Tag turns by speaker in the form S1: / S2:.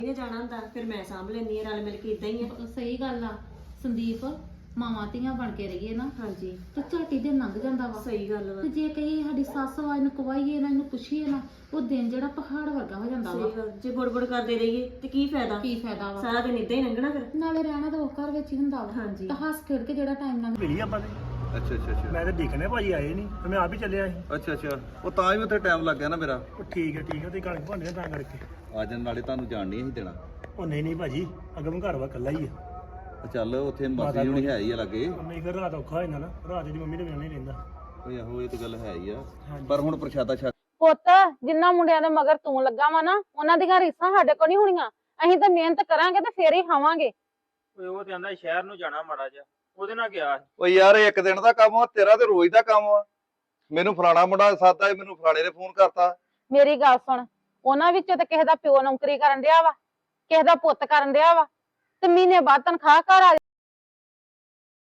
S1: ਨੇ ਜਾਣਾ ਹੁੰਦਾ ਫਿਰ ਮੈਂ ਸਾਂਭ ਲੈਂਦੀ ਆ, ਰਲ ਮਿਲ ਕੇ ਇਦਾਂ ਹੀ ਆ।
S2: ਸਹੀ ਗੱਲ ਆ ਸੰਦੀਪ, ਮਾਵਾਂ ਧੀਆਂ ਬਣ ਕੇ ਰਹੀਏ ਨਾ
S1: ਹਾਂਜੀ
S2: ਤੇ ਝਾਟੀ ਦੇ ਲੰਘ ਜਾਂਦਾ ਵਾ।
S1: ਸਹੀ ਗੱਲ ਵਾ।
S2: ਤੇ ਜੇ ਕਹੀ ਸਾਡੀ ਸੱਸ ਵਾ ਇਹਨੂੰ ਕਵਾਈਏ ਨਾ, ਇਹਨੂੰ ਪੁੱਛੀਏ ਨਾ, ਉਹ ਦਿਨ ਜਿਹੜਾ ਪਹਾੜ ਵਰਗਾ ਹੋ ਜਾਂਦਾ ਵਾ।
S1: ਸਹੀ ਗੱਲ, ਜੇ ਬੁੜਬੁੜ ਕਰਦੇ ਰਹੀਏ ਤੇ ਕੀ ਫਾਇਦਾ?
S2: ਕੀ ਫਾਇਦਾ ਵਾ?
S1: ਸਾਰਾ ਦਿਨ ਇਦਾਂ ਹੀ ਲੰਘਣਾ ਫਿਰ।
S2: ਨਾਲੇ ਰਹਿਣਾ ਤਾਂ ਉਹ ਘਰ ਵਿੱਚ ਹੀ ਹੁੰਦਾ ਵਾ।
S1: ਹਾਂਜੀ
S2: ਤਾਂ ਹੱਸ ਖੇਡ ਕੇ ਜਿਹੜਾ ਟਾਈਮ ਲੰਘ
S3: ਮਿਲੀ ਆਪਾਂ ਨੇ।
S4: ਅੱਛਾ ਅੱਛਾ ਅੱਛਾ
S3: ਮੈਂ ਤਾਂ ਦੇਖਣੇ ਭਾਜੀ ਆਏ ਨਹੀਂ ਤੇ ਮੈਂ ਆਪ ਹੀ ਚੱਲਿਆ ਸੀ।
S4: ਅੱਛਾ ਅੱਛਾ ਉਹ ਤਾਂ ਹੀ ਉੱਥੇ ਟਾਈਮ ਲੱਗ ਗਿਆ ਨਾ ਮੇਰਾ।
S3: ਉਹ ਠੀਕ ਹੈ ਤੇ ਕਣਕ ਭਾਂਡੇ ਤਾਂ ਕਰਕੇ
S4: ਆ ਜਾਣ ਨਾਲੇ ਤੁਹਾਨੂੰ ਜਾਣ ਨਹੀਂ ਸੀ ਦੇਣਾ।
S3: ਉਹ ਨਹੀਂ ਭਾਜੀ, ਅਗਮ ਘਰ ਵਾ ਇਕੱਲਾ ਹੀ ਆ।
S4: ਚੱਲ ਉੱਥੇ ਮਾਸੀ ਹੁਣੀ ਹੈ ਹੀ ਆ ਲਾਗੇ।
S3: ਨਹੀਂ ਫਿਰ ਰਾਤ ਔਖਾ ਹੋ ਜਾਂਦਾ ਨਾ, ਰਾਤ ਦੀ ਮੰਮੀ ਦੇ ਬਿਨਾਂ ਨਹੀਂ ਰਹਿੰਦਾ।
S4: ਓਏ ਆਹੋ ਇਹ ਤਾਂ ਗੱਲ ਹੈ ਹੀ ਆ, ਪਰ ਹੁਣ ਪ੍ਰਸ਼ਾਦਾ ਛਕ।
S5: ਪੁੱਤ ਜਿੰਨਾ ਮੁੰਡਿਆਂ ਦੇ ਮਗਰ ਤੂੰ ਲੱਗਾ ਵਾ ਨਾ, ਉਹਨਾਂ ਦੀਆਂ ਰੀਸਾਂ ਸਾਡੇ ਕੋਲ ਨਹੀਂ ਹੋਣੀਆਂ। ਅਸੀਂ ਤਾਂ ਮਿਹਨਤ ਕਰਾਂਗੇ ਤੇ ਫੇਰ ਹੀ ਖਾਵਾਂਗੇ।
S6: ਓਏ ਉਹ ਤੇ ਆਂਦਾ ਸ਼ਹਿਰ ਨੂੰ ਜਾਣਾ ਮਾੜਾ ਜਿਹਾ, ਉਹਦੇ ਨਾਲ ਗਿਆ।
S4: ਓ ਯਾਰ ਇੱਕ ਦਿਨ ਦਾ ਕੰਮ ਆ, ਤੇਰਾ ਤੇ ਰੋਜ਼ ਦਾ ਕੰਮ ਆ। ਮੈਨੂੰ ਫਲਾਣਾ ਮੁੰਡਾ ਸਾਦਾ, ਮੈਨੂੰ ਫਲਾਣੇ ਨੇ ਫੋਨ ਕਰਤਾ।
S5: ਮੇਰੀ ਗੱਲ ਸੁਣ, ਉਹਨਾਂ ਵਿੱਚੋਂ ਤੇ ਕਿਸੇ ਦਾ ਪਿਓ ਨੌਕਰੀ ਕਰਨ ਡਿਆ ਵਾ, ਕਿਸੇ ਦਾ ਪੁੱਤ ਕਰਨ ਡਿਆ ਵਾ, ਤੇ ਮਹੀਨੇ ਬਾਅਦ ਤਨਖਾਹ ਘਰ ਆ